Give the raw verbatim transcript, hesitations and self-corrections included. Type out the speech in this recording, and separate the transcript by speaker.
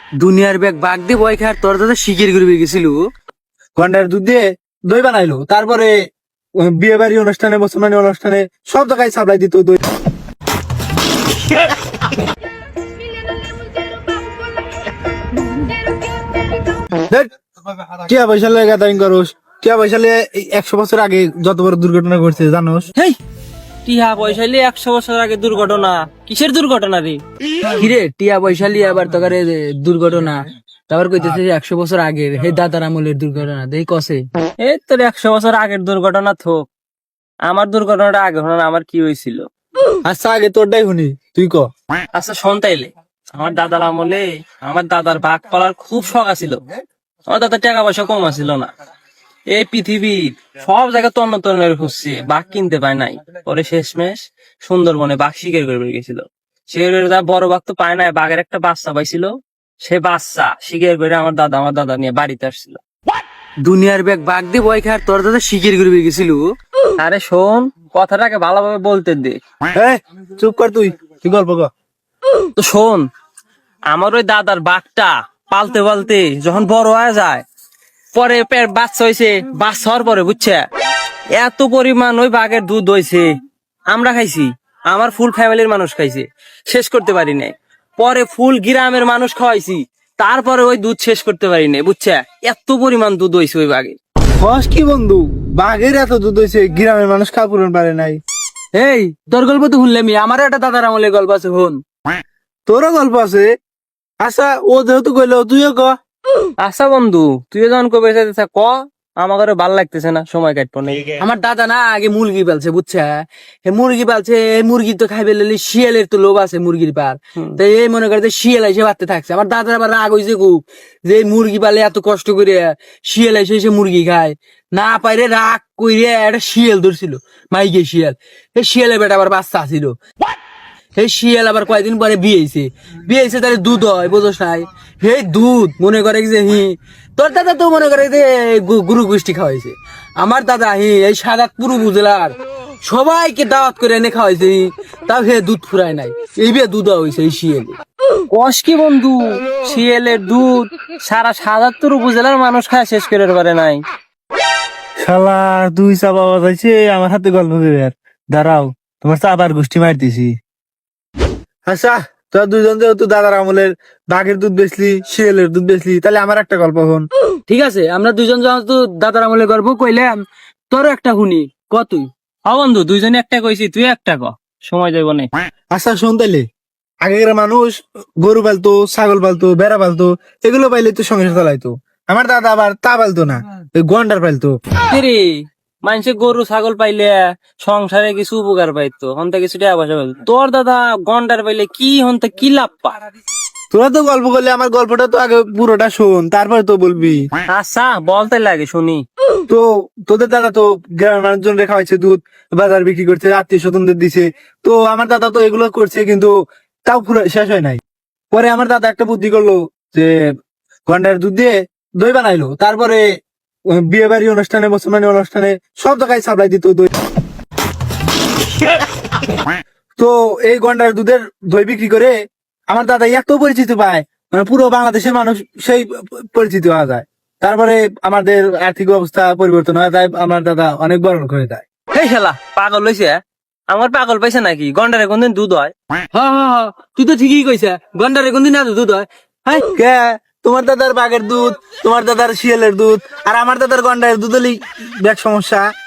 Speaker 1: দুনিয়ার bag bug দিয়ে বয় খায় তোর দাদা শিকির করে গেছিল।
Speaker 2: গন্ডার দুধ দিয়ে দই বানাইলো, তারপরে বিয়ে বাড়ি অনুষ্ঠানে মুসলমানি অনুষ্ঠানে সব জায়গায় সাপ্লাই দিত দই। দেখ, টিয়া পয়সা লেগে গাদারিং করস, টিয়া পয়সা লেগে এই একশো বছর আগে যত বড় দুর্ঘটনা ঘটছে জানোস?
Speaker 3: হেই টিহা পয়সা লিয়ে একশো বছর আগে দুর্ঘটনা? কিসের দুর্ঘটনা রে?
Speaker 1: কিরে টিয়া পয়সা লিয়ে আবার তোকারে দুর্ঘটনা, তারপর কইতেছে যে একশো বছর আগের হে দাদার আমলের দুর্ঘটনা দেই কসে।
Speaker 3: এই তোর একশো বছর আগের দুর্ঘটনা থোক, আমার দুর্ঘটনাটা আগে হলো না। আমার কি হয়েছিল?
Speaker 2: আচ্ছা আগে তোরটাই শুনি, তুই ক।
Speaker 3: আচ্ছা শোন তাইলে, আমার দাদার আমলে আমার দাদার বাঘ পালার খুব শখ আছিল। আমার দাদার টাকা পয়সা কম আছিল না। এই পৃথিবীর সব জায়গায় তন্ন তন্ন খুঁজছে, বাঘ কিনতে পায় নাই। পরে শেষমেশ সুন্দরবনে বাঘ শিকার করে বেরিয়ে গেছিল। শিকার করে তার বড় বাঘ তো পায় নাই, বাঘের একটা বাচ্চা পাইছিল। সে বাচ্চা শিকার করে আমার দাদা আমার দাদা নিয়ে বাড়িতে আসছিল।
Speaker 1: দুনিয়ার ব্যাগ বাগ দিয়ে বয় খায় তোর দাদা শিকির করে গেছিল।
Speaker 3: আরে শোন, কথাটাকে ভালোভাবে বলতে দে।
Speaker 2: এই, চুপ কর, তুই তুই গল্প ক।
Speaker 3: তো শোন, আমার ওই দাদার বাঘটা পালতে পালতে যখন বড় হয়ে যায়, পরে পেট বাচ্চা হয়েছে, বাচ্চা হওয়ার পরে বুঝছে এত পরিমাণ ওই বাঘের দুধ হয়েছে, আমরা খাইছি, আমার ফুল ফ্যামিলির মানুষ খাইছে, শেষ করতে পারি নাই। পরে ফুল গ্রামের মানুষ খাওয়াইছি, তারপরে ওই দুধ শেষ করতে পারি নাই, বুঝছে এত পরিমাণ দুধ হয়েছে ওই বাঘে।
Speaker 2: কস কি বন্ধু, বাঘের এত দুধ হয়েছে গ্রামের মানুষ খা পূরণ পারে নাই?
Speaker 1: এই তোর গল্প তো শুনলামই, আমারও একটা দাদার আমলের গল্প আছে হন।
Speaker 2: তোরও গল্প আছে? আচ্ছা ও যেহেতু কইলো তুইও ক।
Speaker 3: আচ্ছা বন্ধু, তুই যখন কবে চাইতেছ ক, আমাকে ভাল লাগতেছে না, সময় কাটবো না।
Speaker 1: আমার দাদা না আগে মুরগি পালছে বুঝছে, হে মুরগি পালছে, এই মুরগি তো খাইবে লেলি শিয়ালের তো লোভ আছে মুরগির পার, তাই এই মনে করে যে শিয়াল এসে বাড়তে থাকছে। আমার দাদার আবার রাগ হয়েছে খুব, যে এই মুরগি পালে এত কষ্ট করে শিয়াল এসে এসে মুরগি খায়, না পাইরে রাগ কইরে একটা শিয়াল ধরছিল, মাইকে শিয়াল। এই শিয়ালের বেটা আবার বাচ্চা ছিল, এই শিয়াল আবার কয়েকদিন পরে বিয়ে হয়েছে, বিয়ে হয়েছে তাহলে দুধ হয় বোঝস নাই, হে দুধ মনে করে যে হি তোর দাদা তো মনে করে যে গু- গুরু গোষ্ঠী খাওয়াইছে। আমার দাদা হি এই সাদাতপুর উপজেলার সবাইকে দাওয়াত করে এনে খাওয়াইছে, হি তাও হে দুধ ফুরায় নাই, এই বিয়ে দুধ হয়েছে এই শিয়ালে।
Speaker 3: কস কি বন্ধু, শিয়ালের দুধ সারা সাতাত্তর উপজেলার মানুষ খায় শেষ করে পারে নাই।
Speaker 2: শালা দুই চা বাবা যাইছে আমার হাতে গল্প দেবে। আর দাঁড়াও, তোমার চাবার গোষ্ঠী মারতেছি। আচ্ছা তোরা দুইজন যেহেতু দাদার আমলের বাঘের দুধ বেচলি, শিয়ালের দুধ বেচলি, তাহলে আমার একটা গল্প হন।
Speaker 1: ঠিক আছে, আমরা দুজন যখন তো দাদার আমলের গল্প কইলাম, তোরও একটা শুনি, ক তুই।
Speaker 3: হ্যাঁ বন্ধু, দুইজনে একটা কইছি, তুই একটা ক, সময় যাইব না।
Speaker 2: আচ্ছা শোন তাইলে, আগেকার মানুষ গরু পালতো, ছাগল পালতো, বেড়া পালতো, এগুলো পাইলে তো সংসার চালাইতো। আমার দাদা আবার তা পালতো না, ওই গন্ডার পালতো।
Speaker 3: রে মানুষে গরু ছাগল পাইলে সংসারে কিছু উপকার পাইতো, হন্তা কিছু টাকা পয়সা পাইতো। তোর দাদা গন্ডার পাইলে কি হন্তা কি লাভ পা?
Speaker 2: তোরা তো গল্প করলে, আমার গল্পটা তো আগে পুরোটা শোন, তারপরে তো বলবি।
Speaker 3: আচ্ছা বলতে লাগে শুনি।
Speaker 2: তো তোদের দাদা তো গ্রামের মানুষজন রেখা হয়েছে, দুধ বাজার বিক্রি করছে, আত্মীয় স্বজনদের দিছে। তো আমার দাদা তো এগুলো করছে, কিন্তু তাও পুরো শেষ হয় নাই। পরে আমার দাদা একটা বুদ্ধি করলো, যে গন্ডার দুধ দিয়ে দই বানাইলো, তারপরে বিয়ে বাড়ি অনুষ্ঠানে মুসলমানি অনুষ্ঠানে সব জায়গায় সাপ্লাই দিত দই। তো এই গন্ডার দুধের দই বিক্রি করে আমার দাদা এত পরিচিত পায়, মানে পুরো বাংলাদেশের মানুষ সেই পরিচিত হওয়া যায়। তারপরে আমাদের আর্থিক অবস্থা পরিবর্তন হয়ে যায়, আমার দাদা অনেক বড় লোক হয়ে যায়।
Speaker 3: এই খেলা পাগল হইছে? আমার পাগল পাইছে নাকি? গন্ডারে কোনদিন দুধ হয়?
Speaker 1: হা হা হা, তুই তো ঠিকই কইছা, গন্ডারে কোনদিন এত দুধ হয়?
Speaker 2: হ্যাঁ কে, তোমার দাদার বাঘের দুধ, তোমার দাদার শিয়ালের দুধ, আর আমার দাদার গন্ডারের দুধ হলেই ব্যাগ সমস্যা।